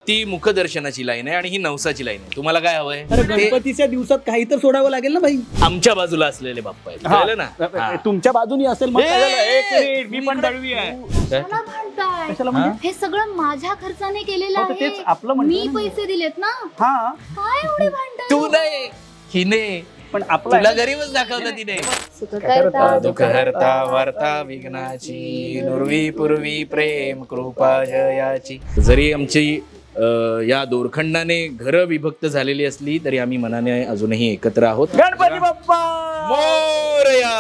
ती मुखदर्शनाची लाईन आहे आणि ही नवसाची लाईन आहे. तुम्हाला काय हवंय? अरे गणपतीच्या दिवसात काही तर सोडावं लागेल ना भाई. आमच्या बाजूला असलेले बाप्पा आहेत, कळलं ना? हा. तुमच्या बाजूनी असेल मग काय झालं? एक मिनिट, मी पण दळवी आहे. कशाला भांडताय? कशाला म्हणजे? हे सगळं माझ्या खर्चाने केलेलं हो, तर तेच आहे. आपलं म्हणतोय मी ना. पैसे दिलेत ना. हा काय एवढे भांडताय? तू नाही, हिने पण आपला तुला गरीबच दाखवलं तिने. सुख करता दुःख हरता वार्ता विघ्नाची, नुरवी पूर्वी प्रेम कृपा जयाची. जरी आमची या दोरखंडाने घरं विभक्त झालेली असली तरी आम्ही मनाने अजूनही एकत्र आहोत. गणपती बाप्पा मोरया.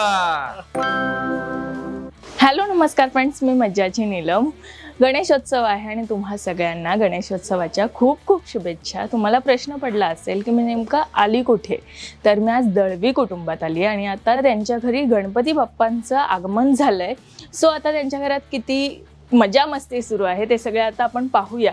हॅलो नमस्कार फ्रेंड्स, मी मज्जाची नीलम. गणेशोत्सव आहे आणि तुम्हा सगळ्यांना गणेशोत्सवाच्या खूप खूप शुभेच्छा. तुम्हाला प्रश्न पडला असेल की मी नेमका आली कुठे, तर मी आज दळवी कुटुंबात आली आणि आता त्यांच्या घरी गणपती बाप्पांचं आगमन झालं आहे. सो आता त्यांच्या घरात किती मजा मस्ती सुरू आहे ते सगळे आता आपण पाहूयात.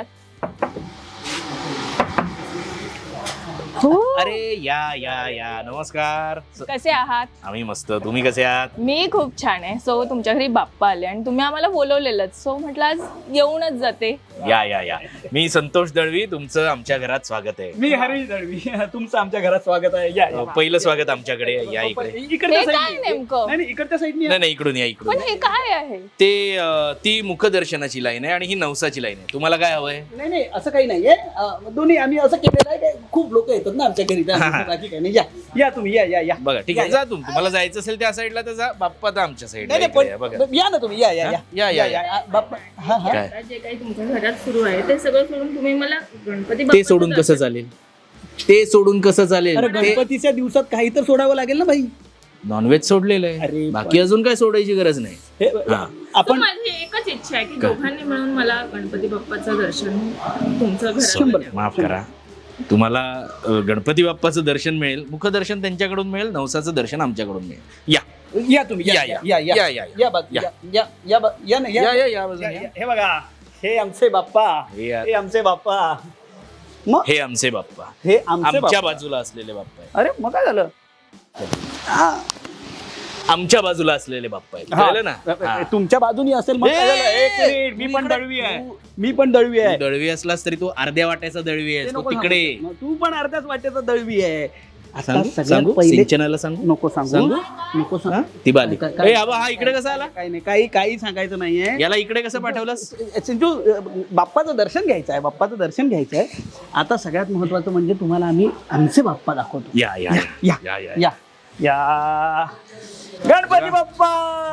हो, अरे या या या, नमस्कार. कसे आहात? आम्ही मस्त, तुम्ही कसे आहात? मी खूप छान आहे. सो तुमच्या घरी बाप्पा आले आणि तुम्ही आम्हाला बोलवलेलं, सो म्हटलं आज येऊनच जाते. या या या, मी संतोष दळवी, तुमचं आमच्या घरात स्वागत आहे. मी हरीश दळवी, तुमचं आमच्या घरात स्वागत आहे. या, या. पहिलं स्वागत आमच्याकडे. या इकडे. इकडच्या हे काय साईडने. नेमकं? नाही नाही, इकडच्या साईडने नाही नाही, इकडून या, इकडून पण हे काय आहे? ते ती मुखदर्शनाची लाईन आहे आणि ही नवसाची लाईन आहे. तुम्हाला काय हवंय? नाही नाही, असं काही नाहीये. दोन्ही आम्ही असं केलेलं आहे. खूप लोक येतात ना आमच्या घरी, बाकी काही नाही. या या तुम्ही, या या या. बघा, ठीक आहे, जा तुम्हाला जायचं असेल त्या साईडला तर जा. बाप्पा तर आमच्या नाही साईडला. नाही, बघा पण या ना तुम्ही. या या या, या, या. बाप्पा. हा हा. काय? जे काही तुमच्या घरात सुरू आहे ते सगळं सोडून तुम्ही मला गणपती ते सोडून कसं चालेल? ते सोडून कसं चालेल? अरे गणपतीच्या दिवसात काही तर सोडावं लागेल ना भाई. नॉनव्हेज सोडलेलं अरे आहे, बाकी अजून काय सोडायची गरज नाही. हे हा. आपण माझी एकच इच्छा आहे की दोघांनी मिळून मला गणपती बाप्पाचं दर्शन तुमचं घर शंभर. माफ करा, तुम्हाला गणपती बाप्पाचं दर्शन मिळेल, मुखदर्शन त्यांच्याकडून मिळेल, नवसाचं दर्शन आमच्याकडून मिळेल. या या तुम्ही. या या या या या बाजू. या. या या या बा- या ना, या या या या बाजूने या. हे बघा, हे आमचे बाप्पा. हे या. हे आमचे बाप्पा. मग हे आमचे बाप्पा, हे आमचे आमच्या बाप्पा. बाजूला असलेले बाप्पा आहेत. अरे मग काय झालं? हा. आमच्या बाजूला असलेले बाप्पा आहेत, कळलं ना? हा. तुमच्या बाजूनी असेल मग काय झालं? एक मिनिट, मी पण दळवी आहे. मी पण दळवी आहे. तू दळवी असलास तरी तू अर्ध्या वाट्याचा दळवी ते आहेस, तू नको तिकडे. सांगू. तू पण अर्ध्याच वाटेचा दळवी आहे. आता सांगू सगळ्यात सांगू पहिले सिंचनाला सांगू नको सांगू. सांगू? नको हा? सांगू. ती बाली. काय- ए, आबा, हा इकडे कसा आला? काही नाही, काही सांगायचं नाहीये. याला इकडे कसं पाठवलंस? सिंचू, बाप्पाचं दर्शन घ्यायचं आहे. बाप्पाचं दर्शन घ्यायचं आहे. आता सगळ्यात महत्वाचं म्हणजे तुम्हाला आम्ही आमचे बाप्पा दाखवतो. या या या या या या या. गणपती बाप्पा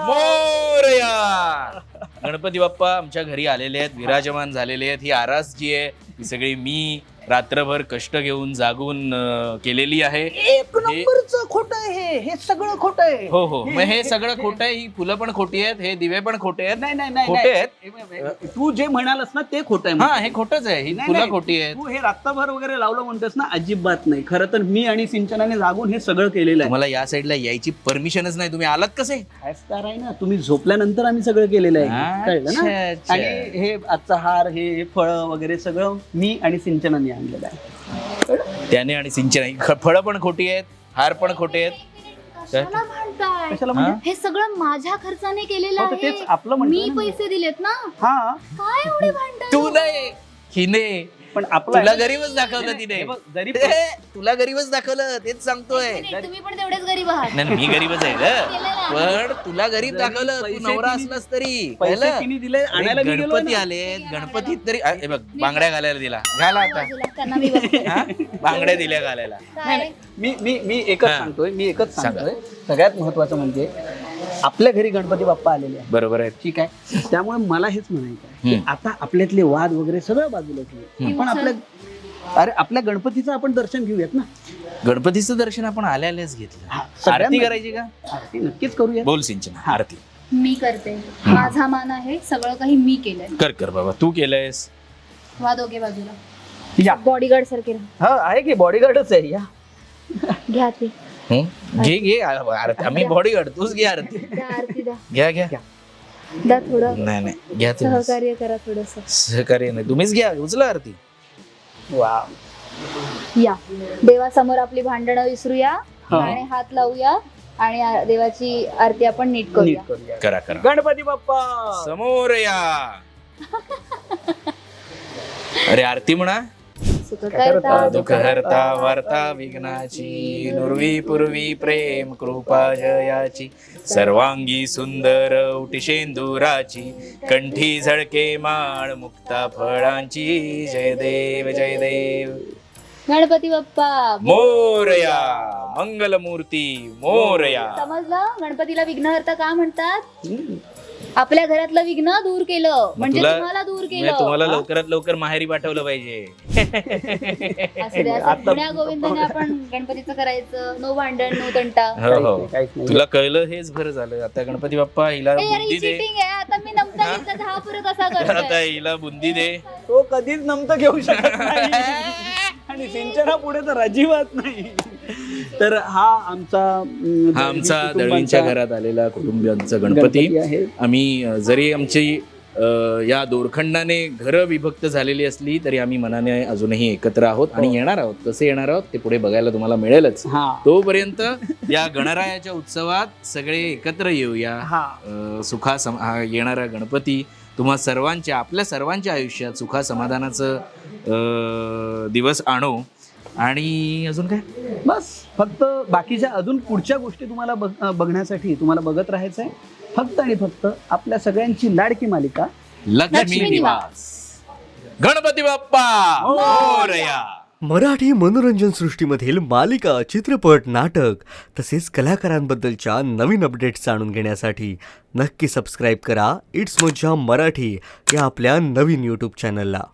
मोरया. गणपती बाप्पा आमच्या घरी आलेले आहेत, विराजमान झालेले आहेत. ही आरास जी आहे ही सगळी मी रात्रभर कष्ट घेऊन जागून केलेली आहे. एक नंबरचं खोटं आहे हे सगळं खोटं आहे. हो हो, मग हे सगळं खोटं आहे. ही फुलं पण खोटी आहेत, हे दिवे पण खोटे आहेत. नाही नाही नाही खोटे आहेत. नाही. तू जे म्हणालस ना ते खोटं आहे. हा, हे खोटच आहे. ही नाही, फुलं नाही. खोटी आहेत. तू हे रात्रभर वगैरे लावलं म्हणतोस ना, अजिबात नाही. खरं तर मी आणि सिंचनाने जागून हे सगळं केलेलं आहे. तुम्हाला या साईडला यायची परमिशनच नाही, तुम्ही आलात कसे? फायस्टार आहे ना, तुम्ही झोपल्यानंतर आम्ही सगळं केलेलं आहे. कळलं अच्छा, ना? अच्छा. आणि हे आजचा हार, हे फळं वगैरे सगळं मी आणि सिंचनाने आणलेलं आहे. त्याने आणि सिंचन, फळं पण खोटी आहेत, हार पण खोटे आहेत. कशाला भांडताय? कशाला म्हणजे? हे सगळं माझ्या खर्चाने केलेलं हो, तर तेच आहे. आपलं म्हणतोय मी ना. पैसे दिलेत ना. हा, काय एवढे भांडताय? तू नाही, हिने पण आपला तुला गरीबच दाखवलं तिने. हे बघ, जरी तुला गरीबच दाखवलं, तेच सांगतोय. नाही, तुम्ही पण तेवढेच गरीब आहात. नाही, मी गरीबच आहे ग, पण तुला गरीब दाखवलं. तू नवरा असलास तरी पैसे पाहिलं? तिने दिले, अरे, आणायला मी गेलोय गणपती ना. आलेत, गणपतीत तरी हे बघ, बांगड्या घालायला दिला, घाला आता. बाजूला, त्यांना मी बघते. हा? बांगड्या दिल्या घालायला. काय? मी एकच हा. सांगतोय, मी एकच सांगा. सांगतोय. सगळ्यात महत्वाचं म्हणजे आपल्या घरी गणपती बाप्पा आलेले आहे. बरोबर आहे. ठीक आहे. त्यामुळे मला हेच म्हणायचं आहे की आता आपल्यातले वाद वगैरे सगळं बाजूला ठेवू. पण आपल्या गणपतीचं आपण दर्शन घेऊयात ना. गणपतीचं दर्शन आपण आल्याच घेतलं. हा, सगळ्यांना- आरती करायची का? आरती नक्कीच करूया. बोल सिंचन, आरती मी करते. माझा मान आहे, सगळं काही मी केलंय. कर कर बाबा, तू केलंयस. वा दोघे बाजूला. या. बॉडीगार्ड सारखे राहा. हा, आहे की बॉडीगार्डच आहे. या. घ्या ती. घे घे आरती, आम्ही बॉडी गार्ड, तूच घे आरती. द्या आरती द्या. घ्या घ्या. द्या थोडं नाही नाही, घ्या तुम्ही. सहकार्य करा थोडस. सहकार्य नाही, तुम्हीच घ्या, उचला आरती. वा. या देवासमोर आपली भांडणं विसरूया हा. आणि हात लावूया आणि देवाची आरती आपण नीट नीट करूया. करूया. करा करा. गणपती बाप्पा समोर या. अरे आरती म्हणा. सुखकर्ता दुःख हरता वार्ता विघ्नाची, नुरवी पूर्वी प्रेम कृपा जयाची, सर्वांगी सुंदर उटिशेंदुराची, कंठी झळके माळ मुक्ता फळांची, जय देव जय देव. गणपती बाप्पा मोरया, मंगलमूर्ती मोरया. समजलं गणपतीला विघ्नहर्ता का म्हणतात? आपल्या घरातलं विघ्न दूर केलं म्हणजे तुला- तुम्हाला दूर म्हणजे केलं. तुम्हाला लवकरात लवकर माहेरी पाठवलं पाहिजे. असं दे, असं पुण्या गोविंदाने आपण गणपतीचं करायचं. नो भांडण नो तंटा. हो हो, काहीच नाही. तुला कळलं हेच बरं झालं. आता गणपती बाप्पा हिला ए, अरे, बुंदी ही दे. cheating आहे. आता मी नमता घेतला तर हा परत असा आता करतोय. हिला बुंदी दे. तो कधीच नमतं घेऊ शकत नाही आणि सिंचना पुढे तर अजिबात नाही. तर हा आमचा हा आमचा दळवींच्या घरात आलेला कुटुंबियांचा गणपती आहे. आम्ही जरी आमची या दोरखंडाने घरं विभक्त झालेली असली तरी आम्ही मनाने अजूनही एकत्र आहोत आणि येणार आहोत. कसे येणार आहोत ते पुढे बघायला तुम्हाला मिळेलच. हा तोपर्यंत या गणरायाच्या उत्सवात सगळे एकत्र येऊया. हा हा येणारा गणपती तुम्हा सर्वांच्या, आपल्या सर्वांच्या आयुष्यात सुखा समाधानाचं दिवस आणो. आणि अजून काय, बस फक्त बाकीच्या अजून पुढच्या गोष्टी तुम्हाला बघण्यासाठी तुम्हाला बघत राहायचं आहे. फक्त आणि फक्त आपल्या सगळ्यांची लाडकी मालिका लक्ष्मी लक्ष्मी निवास. गणपती बाप्पा मोरया. मराठी मनोरंजन सृष्टीमधील मालिका, चित्रपट, नाटक तसेच कलाकारांबद्दलच्या नवीन अपडेट्स जाणून घेण्यासाठी नक्की सबस्क्राईब करा इट्स मज्जा मराठी या आपल्या नवीन यूट्यूब चॅनलला.